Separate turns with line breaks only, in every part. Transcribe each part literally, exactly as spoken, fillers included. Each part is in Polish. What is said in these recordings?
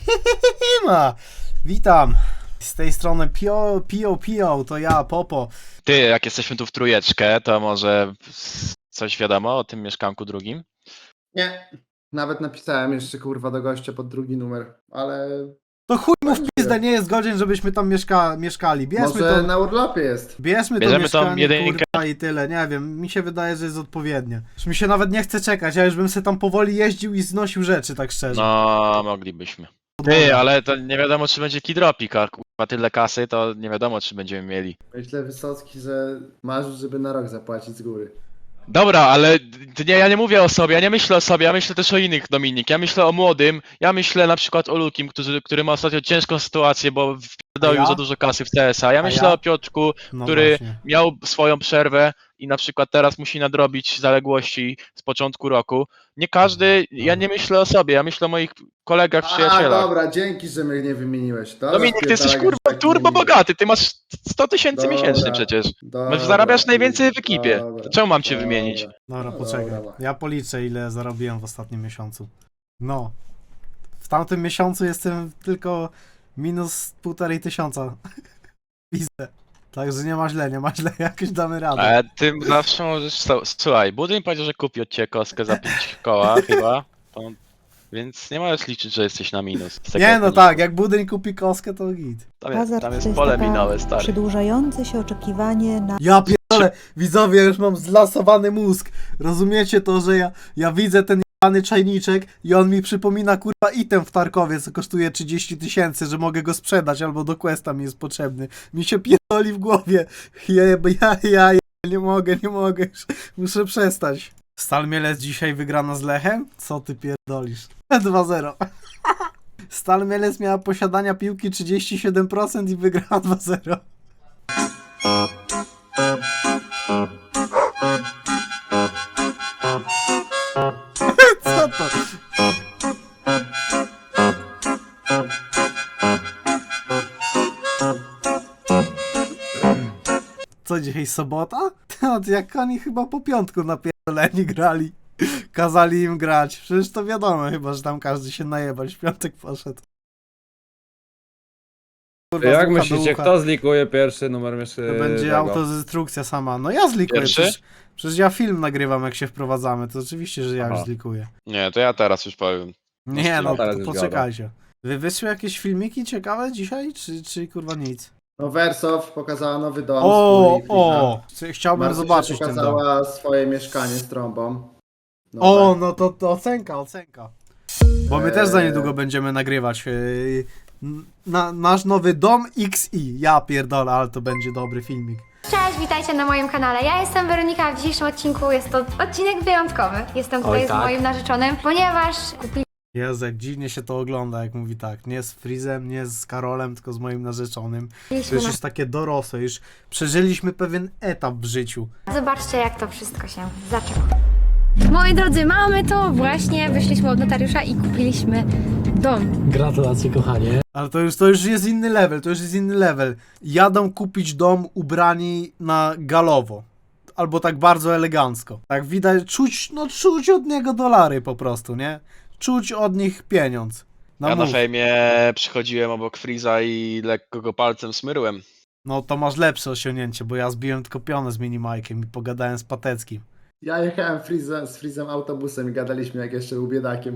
Ma. Witam. Z tej strony Pio, Pio, Pio, to ja, Popo.
Ty, jak jesteśmy tu w trójeczkę, to może coś wiadomo o tym mieszkanku drugim?
Nie. Nawet napisałem jeszcze kurwa do gościa pod drugi numer, ale
To chuj mu w pizdę, nie jest godzien, żebyśmy tam mieszka mieszkali. Bierzmy
może
to,
na urlopie jest.
bierzmy to
Bierzemy tą
mieszkanie,
jedynkę.
kurwa, i tyle. Nie wiem, mi się wydaje, że jest odpowiednie. Już mi się nawet nie chce czekać, ja już bym sobie tam powoli jeździł i znosił rzeczy, tak szczerze.
No, moglibyśmy. Ty, ale to nie wiadomo, czy będzie kidropik, a kurwa tyle kasy, to nie wiadomo, czy będziemy mieli.
Myślę, Wysocki, że masz, żeby na rok zapłacić z góry.
Dobra, ale d- nie, ja nie mówię o sobie, ja nie myślę o sobie, ja myślę też o innych, Dominik. Ja myślę o młodym, ja myślę na przykład o Lukim, który, który ma ostatnio ciężką sytuację, bo wpierdolił
A ja?
za dużo kasy w C S a. Ja
A
myślę
ja?
o Piotrku,
No
który
właśnie.
miał swoją przerwę i na przykład teraz musi nadrobić zaległości z początku roku. Nie każdy, ja nie myślę o sobie, ja myślę o moich kolegach,
A,
przyjacielach.
dobra, dzięki, że mnie nie wymieniłeś. Dobra,
Dominik, ty jesteś
spierdalaj,
kurwa
tak
turbo
nie-
bogaty, ty masz sto tysięcy
Dobra,
miesięcznie przecież.
dobra,
Masz, zarabiasz
dobra,
najwięcej w ekipie.
dobra,
To czemu mam cię
dobra.
wymienić?
Dobra,
No
poczekaj.
dobra.
Ja policzę, ile zarobiłem w ostatnim miesiącu. No. W tamtym miesiącu jestem tylko minus półtorej tysiąca. Pizdę. Także nie ma źle, nie ma źle, jakoś damy radę.
Ale ty zawsze możesz. so- Słuchaj, Budyń powiedział, że kupi od ciebie kostkę za pięć koła chyba. To, więc nie możesz liczyć, że jesteś na minus. z tego
Nie no
powodu.
tak, jak budyń kupi kostkę, to git.
Tam jest,
Hazard
tam
to
jest
jest
pole
taka
minowe, stary.
przedłużające się oczekiwanie na
Ja pierdolę, widzowie, już mam zlasowany mózg. Rozumiecie to, że ja, ja widzę ten jebany czajniczek i on mi przypomina kurwa item w Tarkowie, co kosztuje trzydzieści tysięcy, że mogę go sprzedać albo do questa mi jest potrzebny. Mi się pierdoli w głowie. Ja, ja, ja, ja nie mogę, nie mogę, już muszę przestać. Stal Mielec dzisiaj wygrana z Lechem? Co ty pierdolisz? dwa zero. Stal Mielec miała posiadania piłki trzydzieści siedem procent i wygrała dwa zero. Co to? Co dzisiaj sobota? To jak oni chyba po piątku napierdoleni grali. Kazali im grać. Przecież to wiadomo chyba, że tam każdy się najebać. W piątek poszedł. Kurwa, z
Jak
ucha do
myślicie,
ucha.
kto zlikuje pierwszy numer mieszkania?
To będzie autodestrukcja sama. No ja zlikuję.
Pierwszy?
Przecież, przecież ja film nagrywam, jak się wprowadzamy. To oczywiście, że ja
Aha.
już zlikuję.
Nie, to ja teraz już powiem.
Nie, no
teraz
to
już
poczekajcie. Wy wyszły jakieś filmiki ciekawe dzisiaj, czy, czy kurwa nic?
No Wersow pokazała nowy dom.
O,
swój,
o! Chciałbym
Marcysia
zobaczyć ten dom.
pokazała swoje mieszkanie z trąbą. No
O,
tak.
no to, to ocenka, ocenka. Bo my też za niedługo będziemy nagrywać yy, na, nasz nowy dom X I. Ja pierdolę, ale to będzie dobry filmik.
Cześć, witajcie na moim kanale. Ja jestem Weronika, a w dzisiejszym odcinku jest to odcinek wyjątkowy. Jestem tutaj
Oj,
z
tak?
moim narzeczonym, ponieważ
Jezu, jak dziwnie się to ogląda, jak mówi tak. Nie z Frizem, nie z Karolem, tylko z moim narzeczonym. To
kupiliśmy
już
na...
jest takie dorosłe, już przeżyliśmy pewien etap w życiu.
Zobaczcie, jak to wszystko się zaczęło. Moi drodzy, mamy to właśnie. Wyszliśmy od notariusza i kupiliśmy dom.
Gratulacje, kochanie.
Ale to już, to już jest inny level, to już jest inny level. Jadą kupić dom ubrani na galowo. Albo tak bardzo elegancko. Tak widać, czuć, no czuć od niego dolary po prostu, nie? Czuć od nich pieniądz. No,
Ja na
mów.
fejmie przychodziłem obok Freeza i lekko go palcem smyrłem.
No to masz lepsze osiągnięcie, bo ja zbiłem tylko pionę z minimajkiem i pogadałem z Pateckim.
Ja jechałem Freeza, z Freezem autobusem i gadaliśmy jak jeszcze był biedakiem.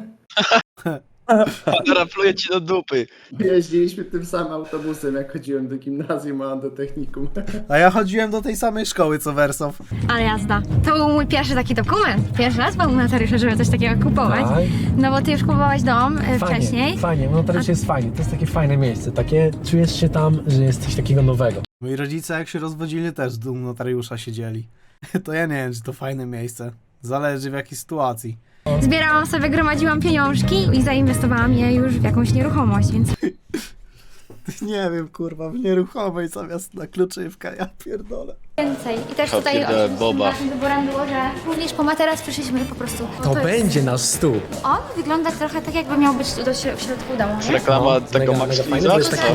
Teraz pluję ci do dupy.
Jeździliśmy tym samym autobusem jak chodziłem do gimnazjum, a on do technikum.
A ja chodziłem do tej samej szkoły co Wersow.
Ale jazda. To był mój pierwszy taki dokument. Pierwszy raz był u notariusza, żeby coś takiego kupować.
Tak.
No bo ty już kupowałeś dom e,
Fajnie,
wcześniej.
fajnie, no to jest fajnie, to jest takie fajne miejsce, takie, czujesz się tam, że jest coś takiego nowego.
Moi rodzice jak się rozwodzili też z domu notariusza siedzieli. To ja nie wiem, czy to fajne miejsce. Zależy w jakiej sytuacji.
Zbierałam sobie, gromadziłam pieniążki i zainwestowałam je już w jakąś nieruchomość, więc
Nie wiem, kurwa, w nieruchomej zamiast na kluczywkę, ja pierdolę.
więcej. I też
Ja
tutaj
pierdolę,
oczywiście
boba.
naszym wyborem było, że również po materac przyszliśmy po prostu.
To
jest-
będzie nasz stół.
On wygląda trochę tak, jakby miał być do, śro- w środku domu, nie?
Reklama
No,
tego
mega,
Max
mega fajne,
Freeza,
bo jest
czy
taki,
co?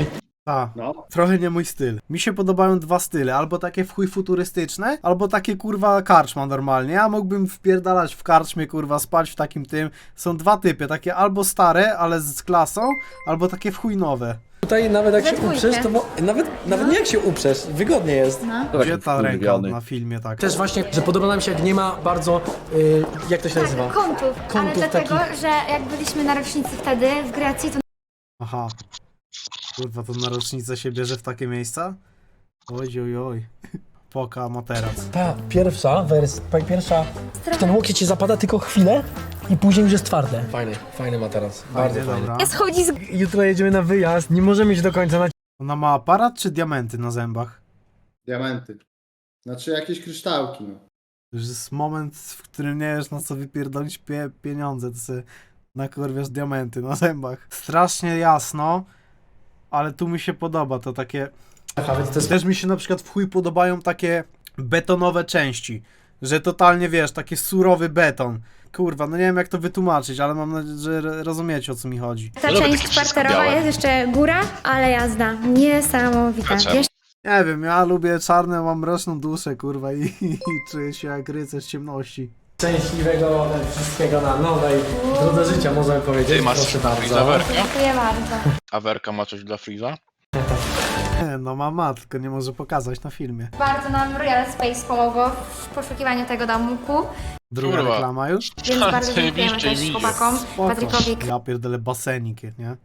Tak.
No.
Trochę nie mój styl. Mi się podobają dwa style, albo takie w chuj futurystyczne, albo takie kurwa karczma normalnie. Ja mógłbym wpierdalać w karczmie, kurwa, spać w takim tym. Są dwa typy, takie albo stare, ale z klasą, albo takie w chuj nowe.
Tutaj nawet jak
We
się
dwójkę.
uprzesz, to bo, nawet, nawet nie jak się uprzesz, wygodnie jest.
Gdzie ta ręka na filmie tak?
Też właśnie, że podoba nam się jak nie ma bardzo, y, jak to się nazywa?
Tak, kątów. Ale
Kątów
dlatego,
takich.
że jak byliśmy na rocznicy wtedy w Grecji, to
Aha. Kurwa, to na rocznicę się bierze w takie miejsca? Oj, oj, oj. Poka materac.
Ta pierwsza wersja, pierwsza, ten łokieć ci zapada tylko chwilę i później już jest twarde. Fajny, fajny materac, bardzo
Fajnie,
fajny.
dobra.
schodzi z
Jutro jedziemy na wyjazd, nie możemy iść do końca na
Ona ma aparat czy diamenty na zębach?
Diamenty. Znaczy jakieś kryształki, no.
To już jest moment, w którym nie wiesz na co wypierdolić pie pieniądze, to sobie nakurwiasz diamenty na zębach. Strasznie jasno, ale tu mi się podoba to takie...
więc to jest
Też mi się na przykład w chuj podobają takie betonowe części, że totalnie wiesz, taki surowy beton. Kurwa, no nie wiem jak to wytłumaczyć, ale mam nadzieję, że ro- rozumiecie o co mi chodzi.
ta
Lubię
część
takie wszystko
parterowa,
białe.
jest jeszcze góra, ale jazda. Niesamowita.
A czemu?
Wiesz,
Nie wiem, ja lubię czarne, mam mroczną duszę, kurwa, i, i czuję się jak rycerz ciemności.
szczęśliwego wszystkiego na nowej drodze życia, możemy powiedzieć.
Ty masz
Proszę
Freeza
bardzo.
Werkę?
dziękuję bardzo.
A Werka ma coś dla Freeza?
No mama, tylko nie może pokazać na filmie.
Bardzo nam Royal Space pomogło w poszukiwaniu tego domku,
Druga
Kurwa.
reklama już?
więc bardzo dziękujemy
Zajebiście
też
idzie.
chłopakom,
Spoko.
Patrykowi,
Ja pierdolę basenik, nie?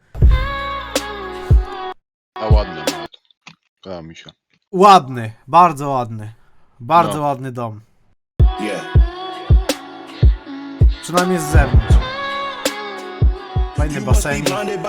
A ładny ma. Podoba mi się.
Ładny, bardzo ładny. Bardzo
No.
ładny dom. Przynajmniej z zewnątrz. Fajny basenik.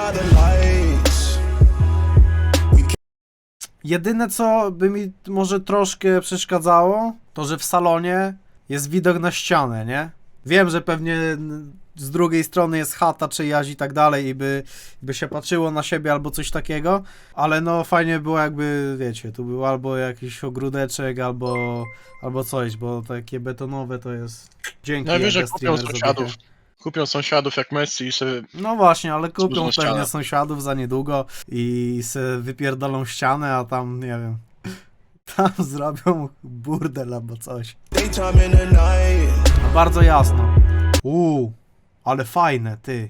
Jedyne co by mi może troszkę przeszkadzało, to że w salonie jest widok na ścianę, nie? Wiem, że pewnie n- z drugiej strony jest chata czyjaś i tak dalej i by, by się patrzyło na siebie albo coś takiego, ale no fajnie było jakby, wiecie, tu był albo jakiś ogródeczek, albo, albo coś, bo takie betonowe to jest... Dzięki.
No wiesz, że
Jaga
kupią
Streamer,
sąsiadów.
za dychę.
Kupią sąsiadów jak Messi i sobie...
No właśnie, ale kupią
Służną
pewnie
ścianę.
sąsiadów za niedługo i se wypierdolą ścianę, a tam, nie wiem, tam zrobią burdel albo coś. No bardzo jasno. Uuu, ale fajne, ty.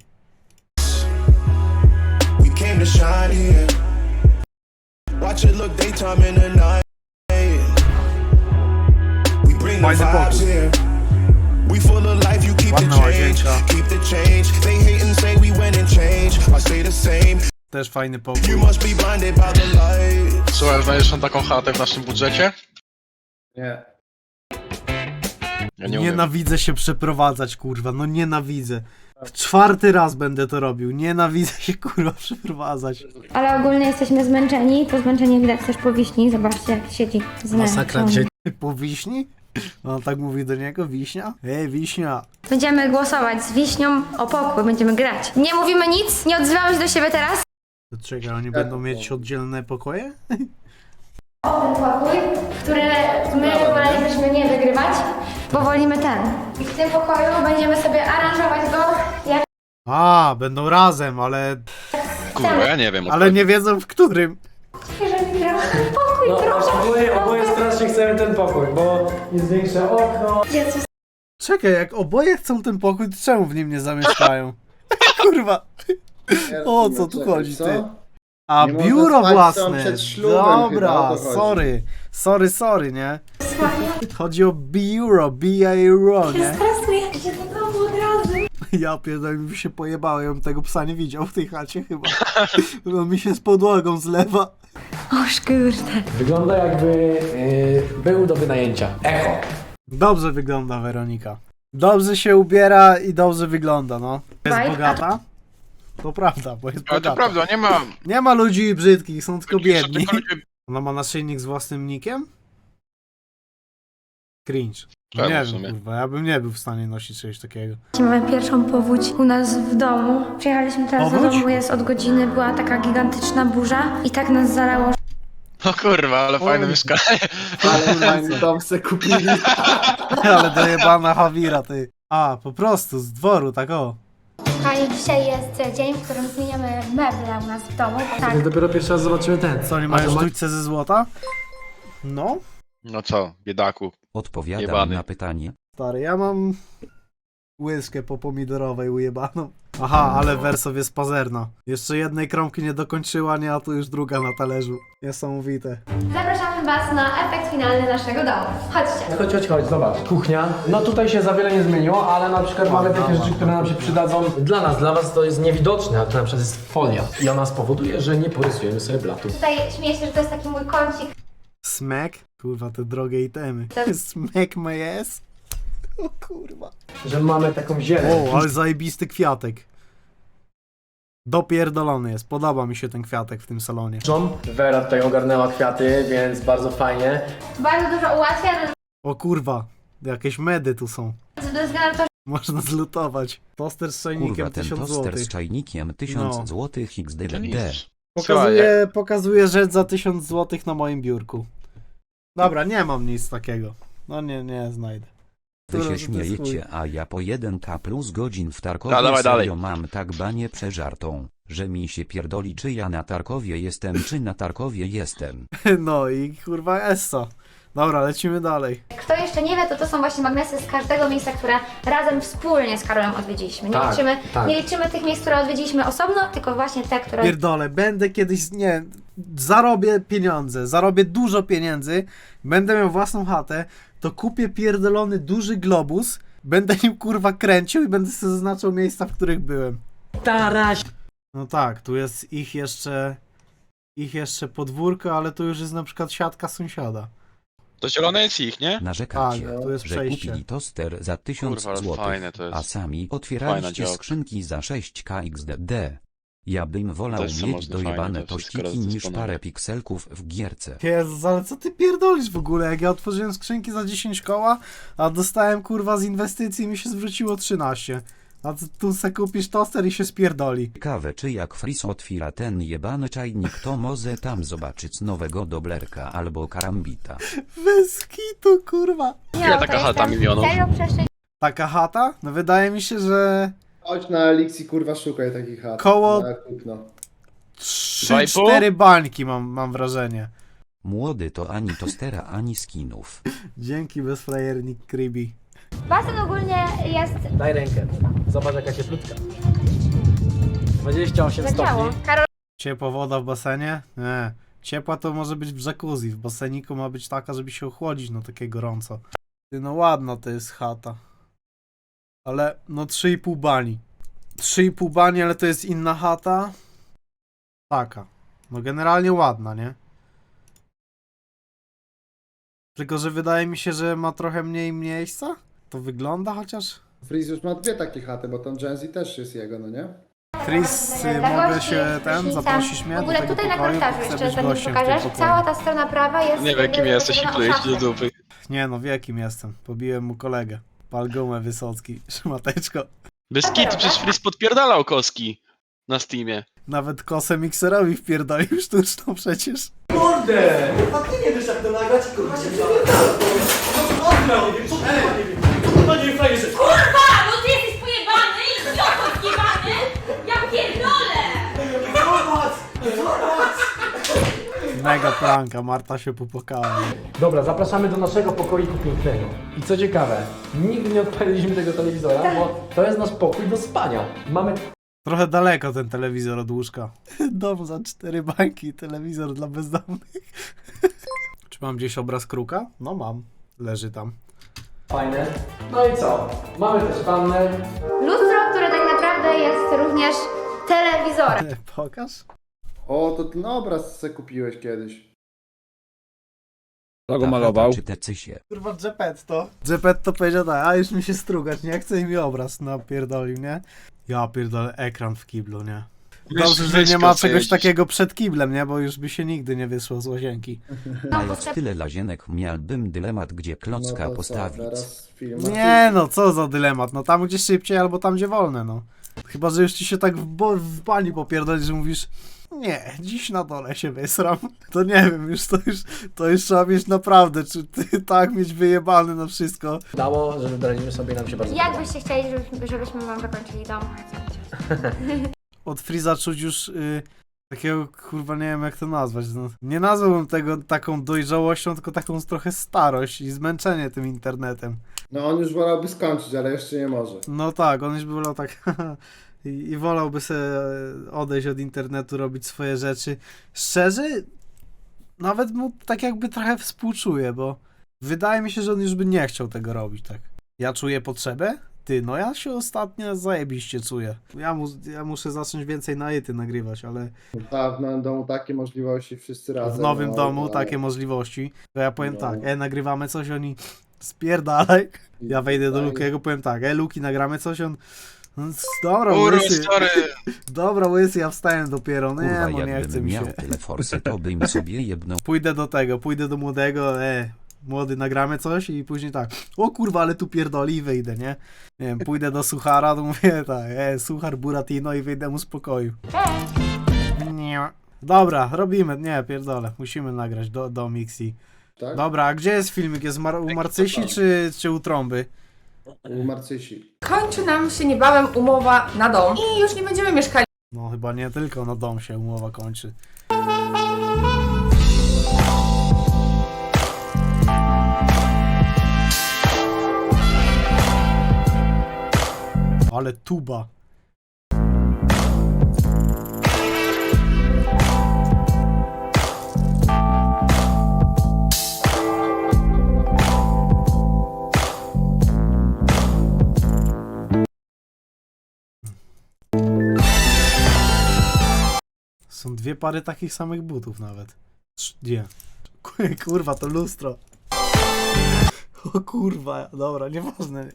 We came to shine here. Watch it look daytime in the night. We bring the
Fajny
vibes
pokój.
here. We full of life, you keep the
Ładna
change.
łazienka.
Keep the change. They hate and say we went and changed. I say the same.
Też fajny
You
pokój.
must be blinded by the light.
Słuchaj, znajdziesz tam taką chatę w naszym budżecie?
Nie.
Ja nie umiem.
Nienawidzę się przeprowadzać, kurwa, no nienawidzę. W czwarty raz będę to robił. Nienawidzę się, kurwa, przeprowadzać.
ale ogólnie jesteśmy zmęczeni, to zmęczenie widać też po wiśni, zobaczcie jak siedzi z nami.
Masakra dzisiaj.
Po wiśni? On tak mówi do niego, wiśnia? Ej, wiśnia.
Będziemy głosować z wiśnią o pokój, będziemy grać. Nie mówimy nic, nie odzywamy się do siebie teraz.
To czekaj, oni będą mieć oddzielne pokoje?
Ten pokój, który my wolelibyśmy nie wygrywać, bo wolimy ten. I w tym pokoju będziemy sobie aranżować go jak
A, będą razem, ale,
Kurwa, ja nie wiem.
ale nie wiedzą w którym.
żeby grał ten pokój,
No,
proszę.
oboje, oboje strasznie chcemy ten pokój, bo jest większe okno.
Jezus.
Czekaj, jak oboje chcą ten pokój, to czemu w nim nie zamieszkają? Kurwa. O co tu
Czekaj,
chodzi,
co?
ty? A
Nie można
biuro
spać
własne.
tam przed ślubem chyba, o
Dobra,
to chodzi.
sorry. Sorry, sorry, nie? Chodzi o biuro, B-A-R-O, nie?
Stresuję się do domu od razu.
Ja pierdolę, mi się pojebało, ja bym tego psa nie widział w tej chacie chyba. On mi się z podłogą zlewa.
Oż kurde.
Wygląda jakby yy, był do wynajęcia. Echo.
Dobrze wygląda Weronika. Dobrze się ubiera i dobrze wygląda, no. Jest
Vibe,
bogata? To prawda, bo jest
Ale
bogata.
to prawda, nie ma...
Nie ma ludzi brzydkich, są tylko biedni.
Tylko ludzie-
Ona ma naszyjnik z własnym nikiem? Cringe. No
Czemu
nie
w
wiem,
sumie?
kurwa, ja bym nie był w stanie nosić czegoś takiego.
Mamy pierwszą powódź u nas w domu. Przyjechaliśmy teraz do
Powódź?
domu, jest od godziny, była taka gigantyczna burza i tak nas zalało.
No kurwa, ale fajne
Oj.
mieszkanie.
Ale fajny dom se kupili.
Ale dojebana Hawira, ty. A, po prostu, z dworu, tak o.
Kochani, dzisiaj jest dzień, w którym zmieniamy meble u nas w domu. Tak.
Dopiero pierwszy raz zobaczymy ten.
Co, nie
A
mają
to ma-
sztućce ze złota? No,
No co, biedaku.
Odpowiadam
Jebany.
na pytanie.
stary, ja mam łyżkę po pomidorowej ujebaną. Aha, ale Wersow jest pazerna. Jeszcze jednej kromki nie dokończyła, nie, a tu już druga na talerzu. Niesamowite.
Zapraszamy Was na efekt finalny naszego domu. Chodźcie.
Chodź, chodź, chodź, zobacz. Kuchnia. No tutaj się za wiele nie zmieniło, ale na przykład mamy takie rzeczy, które nam się przydadzą. Dla nas, dla was to jest niewidoczne, a to na przykład jest folia. I ona spowoduje, że nie porysujemy sobie blatu.
Tutaj śmieję się, że to jest taki mój kącik.
Smek? Kurwa, te drogie itemy.
Tak.
Smek my ass? O kurwa.
Że mamy taką zieleń.
O, ale zajebisty kwiatek. Dopierdolony jest. Podoba mi się ten kwiatek w tym salonie.
John, Vera tutaj ogarnęła kwiaty, więc bardzo fajnie.
Bardzo dużo ułatwia,
O kurwa, jakieś medy tu są.
ze względu na to,
Można zlutować. Toster z
Kurwa,
czajnikiem
ten
tysiąc
toster
złotych.
z czajnikiem tysiąc
No.
złotych
To
X D D.
nic.
Pokazuje, pokazuje rzecz za tysiąc złotych na moim biurku. Dobra, nie mam nic takiego. No nie, nie znajdę.
Wy
Który
się
to jest
śmiejecie, a ja po jeden K plus godzin w Tarkowie
No, dawaj
serio
dalej.
mam tak banię przeżartą, że mi się pierdoli, czy ja na Tarkowie jestem, czy na Tarkowie jestem.
No i kurwa Essa. Dobra, lecimy dalej.
kto jeszcze nie wie, to to są właśnie magnesy z każdego miejsca, które razem wspólnie z Karolem odwiedziliśmy. Nie,
Tak,
liczymy,
tak.
nie liczymy tych miejsc, które odwiedziliśmy osobno, tylko właśnie te, które...
Pierdolę, będę kiedyś, nie, zarobię pieniądze, zarobię dużo pieniędzy, będę miał własną chatę, to kupię pierdolony duży globus, będę nim kurwa kręcił i będę sobie zaznaczał miejsca, w których byłem.
Taraś!
No tak, tu jest ich jeszcze, ich jeszcze podwórko, ale tu już jest na przykład siatka sąsiada.
To zielone jest ich, nie?
Narzekacie,
Tak, tu jest
że
przejście.
kupili toster za tysiąc
Kurwa, ale
złotych,
fajne to jest.
a sami
Fajna
otwieraliście
działka.
skrzynki za sześć K X D D. Ja bym wolał
Też są
mieć
mocno fajne,
dojebane
to wszystko
tościki niż
rozdysponowane.
parę pikselków w gierce.
Jezus, ale co ty pierdolisz w ogóle? Jak ja otworzyłem skrzynki za dziesięć koła, a dostałem kurwa z inwestycji i mi się zwróciło trzynaście. A ty tu se kupisz toster i się spierdoli.
Ciekawe, czy jak Fris otwiera ten jebany czajnik, to może tam zobaczyć nowego doblerka albo karambita.
Bez kitu, kurwa.
Nie,
Ile
to
taka
jest
chata
ten
milionów?
Serio przeszczęśliwy
Taka chata? No wydaje mi się, że
Chodź na Elixir, kurwa, szukaj takich chat.
Koło-
Na kupno.
trzy cztery bańki mam, mam wrażenie.
Młody to ani tostera, ani skinów.
Dzięki bezfrajernik Kribi.
Basen ogólnie jest
Daj rękę. Zobacz jaka cieplutka. dwadzieścia osiem
zadziało.
stopni.
Karol
Ciepła woda w basenie? Nie. Ciepła to może być w jacuzzi. W baseniku ma być taka, żeby się ochłodzić, no takie gorąco. Ty, no ładna to jest chata. Ale no trzy i pół bani. trzy i pół bani, ale to jest inna chata. Taka. No generalnie ładna, nie? Tylko, że wydaje mi się, że ma trochę mniej miejsca. To wygląda chociaż.
Freeze już ma dwie takie chaty, bo tam Gen Z też jest jego, no nie?
Chris,
Dla
y, mogę
gości
się
jest
ten,
prysznicem.
zaprosić mnie
W
do
ogóle
tego
tutaj na
pokoju, bo
korytarzu
chcę
jeszcze
być
zanim
gościem w
pokażę,
tym
że
pokoju.
cała ta strona prawa jest...
Nie wiem kim jesteś i klejesz do dupy.
Nie no, wie kim jestem. Pobiłem mu kolegę. Pal gumę Wysocki, szmateczko.
Bez kitu, przecież Fris podpierdalał koski na Steamie.
Nawet kosę mikserowi wpierdolił sztuczną przecież.
Kurde!
Kurwa! No ty jesteś pojebany i idioto zjebany! Ja pierdolę!
Mega pranka, Marta się popłakała.
Dobra, zapraszamy do naszego pokoiku pięknego. I co ciekawe, nigdy nie odpaliliśmy tego telewizora, bo to jest nasz pokój do spania. Mamy
Trochę daleko ten telewizor od łóżka. Dom za cztery bańki, telewizor dla bezdomnych. Czy mam gdzieś obraz kruka? No mam. Leży tam.
fajne. No i co? Mamy też wannę.
Lustro, które tak naprawdę jest również telewizorem.
Pokaż.
O, to ten obraz se kupiłeś kiedyś.
Kto go
Ta
malował?
chata Czy te cysie?
Kurwa Geppetto. Geppetto powiedział tak, a już mi się strugać, nie chcę i mi obraz napierdolił, nie? Ja pierdolę ekran w kiblu, nie? Dobrze, że nie ma czegoś takiego przed kiblem, nie? Bo już by się nigdy nie wyszło z łazienki.
Mając tyle lazienek, miałbym dylemat, gdzie klocka
No to co,
postawić.
teraz film.
Nie no, co za dylemat, no tam gdzie szybciej albo tam gdzie wolne, no. Chyba, że już ci się tak w, bo- w bani popierdoli, że mówisz nie, dziś na dole się wysram. To nie wiem, już to już, to już trzeba mieć naprawdę, czy ty tak mieć wyjebany na wszystko.
Dało, że wybraliśmy sobie i nam się bardzo
Jak
podoba.
byście chcieli, żebyśmy, żebyśmy wam zakończyli dom?
Od Freeza czuć już y, takiego, kurwa, nie wiem jak to nazwać. No, nie nazwałbym tego taką dojrzałością, tylko taką trochę starość i zmęczenie tym internetem.
No on już wolałby skończyć, ale jeszcze nie może.
No tak, on już by wolał tak i, i wolałby sobie odejść od internetu, robić swoje rzeczy. Szczerze, nawet mu tak jakby trochę współczuję, bo wydaje mi się, że on już by nie chciał tego robić, tak. Ja czuję potrzebę? Ty, no ja się ostatnio zajebiście czuję. Ja, mu, ja muszę zacząć więcej na ety nagrywać, ale
W nowym domu takie możliwości wszyscy razem.
w nowym
no,
domu
no,
takie możliwości, to ja powiem
No.
tak, e, nagrywamy coś, oni spierdalaj. Ja wejdę do
Daj.
Lukiego, powiem tak, e, Luki, nagramy coś, on... no, Dobra,
Kurwa,
łysy,
sorry.
dobra, łysy, ja wstałem dopiero,
Kurwa,
nie, bo nie chce
jakbym
mi
miał
się.
tyle forsy, to bym sobie jedną
Pójdę do tego, pójdę do młodego, e, młody, nagramy coś i później tak, o kurwa, ale tu pierdoli i wyjdę, nie? Nie wiem, pójdę do Suchara, to mówię tak, e, Suchar Buratino i wyjdę mu z pokoju. Nie. Dobra, robimy, nie, pierdolę, musimy nagrać do, do Mixi.
Tak?
Dobra, a gdzie jest filmik? Jest mar- u Marcysi czy, czy u Trąby?
U Marcysi.
Kończy nam się niebawem umowa na dom i już nie będziemy mieszkali
No chyba nie tylko na dom się umowa kończy. Ale tuba. Są dwie pary takich samych butów nawet. Trz- Gdzie? Kurwa, to lustro. O kurwa, dobra, nieważne.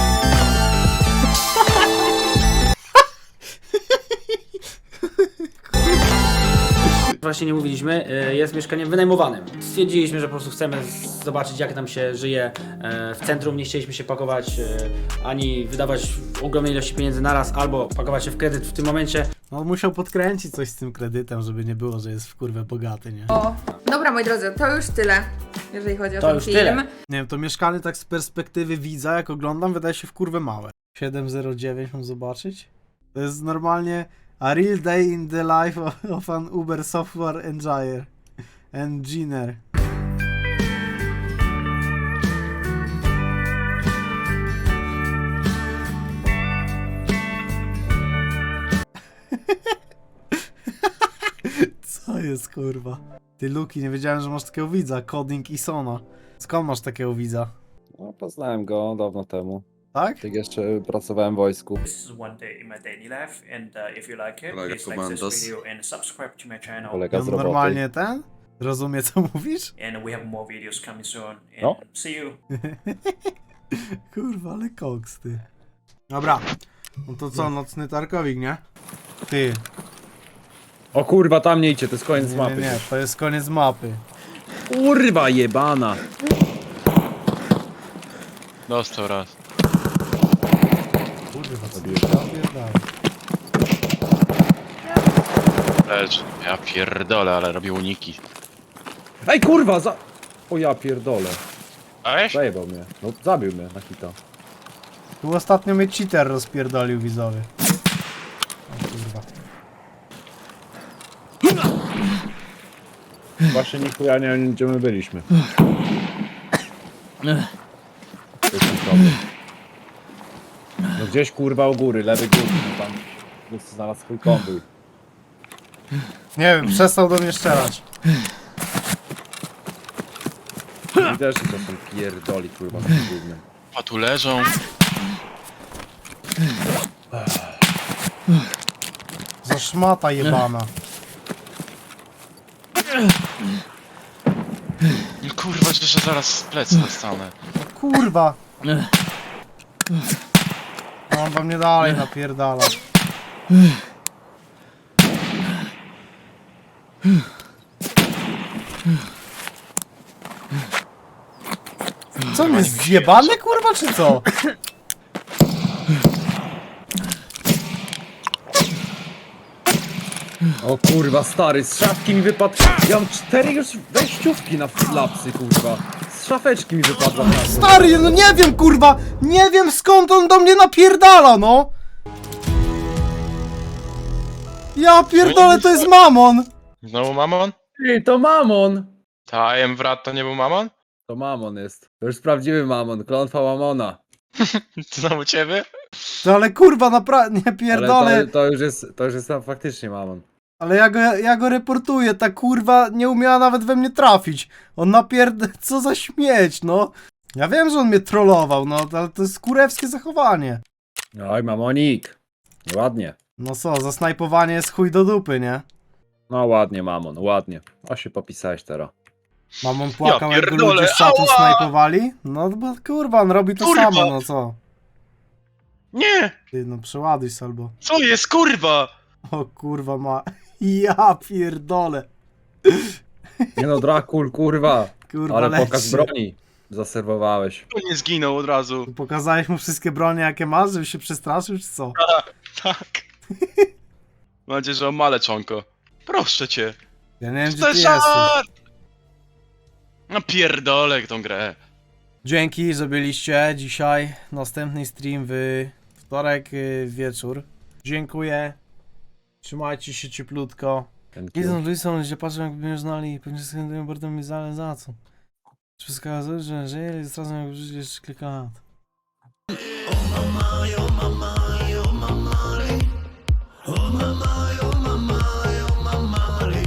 Właśnie nie mówiliśmy, y, jest mieszkaniem wynajmowanym. Stwierdziliśmy, że po prostu chcemy z- zobaczyć, jak nam się żyje e, w centrum. Nie chcieliśmy się pakować e, ani wydawać ogromnej ilości pieniędzy naraz, albo pakować się w kredyt w tym momencie.
No on musiał podkręcić coś z tym kredytem, żeby nie było, że jest w kurwę bogaty, nie?
O, dobra moi drodzy, to już tyle, jeżeli chodzi o
To
ten
już
film.
tyle.
Nie wiem, to mieszkanie tak z perspektywy widza, jak oglądam, wydaje się w kurwę małe. siedem zero dziewięć mam zobaczyć? To jest normalnie a real day in the life of, of an Uber software engineer. Engineer. Co jest kurwa? Ty Luki, nie wiedziałem, że masz takiego widza, Coding i Sona. Skąd masz takiego widza?
No, poznałem go dawno temu.
Tak?
Jak jeszcze pracowałem w wojsku.
This is one day in my daily life, and uh, if you like it,
Kolega
please like this
Komandos.
video and subscribe to my channel.
Kolega
On
z roboty.
normalnie ten? Rozumie co mówisz?
And we have more videos coming soon. And
No.
see you.
Kurwa, ale koks, ty. Dobra. No to co, nocny tarkowik, nie? Ty.
O kurwa, tam nie idźcie, to jest koniec
Nie,
mapy.
nie, nie, to jest koniec mapy.
Kurwa jebana.
Dostał raz.
Kurwa, co ja pierdolę.
Lecz, ja pierdolę, ale robię uniki.
Ej kurwa, za... O ja pierdolę.
A weź?
Zajebał mnie. No zabił mnie na hita.
Tu ostatnio mnie cheater rozpierdolił widzowie. O kurwa.
Właśnie nichuja nie wiem, gdzie my byliśmy. To jest ten problem. No gdzieś kurwa u góry, lewy górny, no tam jest znalazł swój konwój.
Nie wiem, przestał do mnie strzelać.
Widać, że to są pierdoli kurwa na tym głównym.
A tu leżą.
Za szmata jebana.
No kurwa, że zaraz z plecy dostanę.
Kurwa. No, on do mnie dalej napierdala. Co, on jest zjebany kurwa, czy co?
O kurwa stary, z szafki mi wypadł. Ja mam cztery już wejściówki na lapsy kurwa. Z szafeczki mi wypadła.
Stary, no nie wiem kurwa! Nie wiem skąd on do mnie napierdala, no! Ja pierdolę, to jest mamon!
Znowu mamon?
Ty, to mamon!
Ta Emwrat to nie był mamon?
To mamon jest. To już prawdziwy mamon, klątwa mamona.
Znowu ciebie?
To ale kurwa, naprawdę, nie
Ale
pierdolę.
to, to już jest, to już jest tam faktycznie mamon.
Ale ja go, ja go reportuję, ta kurwa nie umiała nawet we mnie trafić. On napierd... Co za śmieć, no. Ja wiem, że on mnie trollował, no, ale to jest kurewskie zachowanie.
Oj, mamonik. Ładnie.
No co, zasnajpowanie jest chuj do dupy, nie?
No ładnie, mamon, ładnie. O, się popisałeś teraz.
Mamon płakał, jak go
pierdolę,
ludzie z czatu
ała!
snajpowali? No bo kurwa, on robi to
Kurwa!
samo, no co?
Nie!
Ty, no przeładuj się albo.
Co jest, kurwa?
O kurwa ma... Ja pierdolę.
Nie no, Drakul, kurwa.
Kurwa,
Ale
leci.
pokaz broni zaserwowałeś.
Tu nie zginął od razu.
Pokazałeś mu wszystkie bronie, jakie masz, żeby się przestraszył, czy co?
Tak. Mam nadzieję, że on ma leczonko. Proszę cię.
Ja nie wiem, gdzie
To
ty
jest
jesteś.
żart! No pierdolę tą grę.
Dzięki, że byliście dzisiaj. Następny stream w wtorek y, wieczór. Dziękuję. Trzymajcie się cieplutko.
Ten
I są ludzie, ludzie patrzą, jakby mnie znali. Pewnie skrętują bardzo mi za, za co. Wszystko okazuje, że żyje, jest razem jak życie jeszcze kilka lat.